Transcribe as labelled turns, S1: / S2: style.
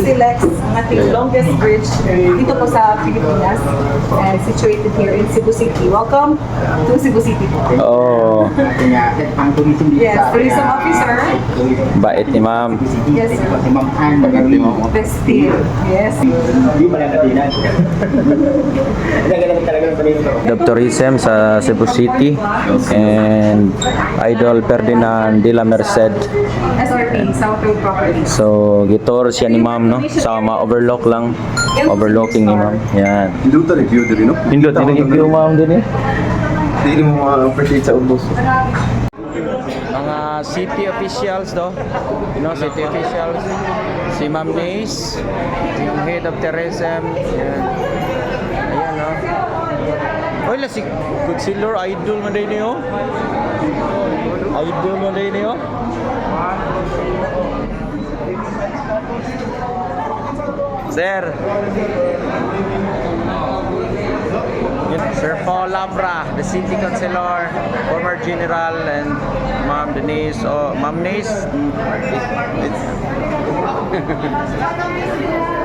S1: Silex, ang ating longest bridge dito po sa Pilipinas, situated here in Cebu City. Welcome to Cebu City po.
S2: Oh,
S3: Ang tourism dito
S1: Yes, tourism officer.
S2: bait ni ma'am.
S1: Yes, sir.
S3: Si Ma'am Ann Magarli mo.
S1: Festive. Yes.
S3: Hindi pala natinan. Nagalang talaga ng panino.
S2: Of Tourism sa Cebu City and Idol Ferdinand de la Merced.
S1: SRP, Southern Properties.
S2: So, gitor siya ni ma'am, no? Sa ma-overlook lang. Overlooking ni ma'am. Yan.
S4: Hindi ko review din, no?
S2: Pindot, i-review ma'am din eh.
S4: Hindi mo ma-appreciate sa ubos.
S2: Mga city officials do, you know, city officials, si Ma'am Nace, yung head of tourism, yan. Ayan, no. Oy, la si Godzilla, idol mo din niyo. Idol mo din niyo. Sir. Sir Paul Labra, the city councilor, former general, and Ma'am Denise. Oh, Ma'am Nace. It's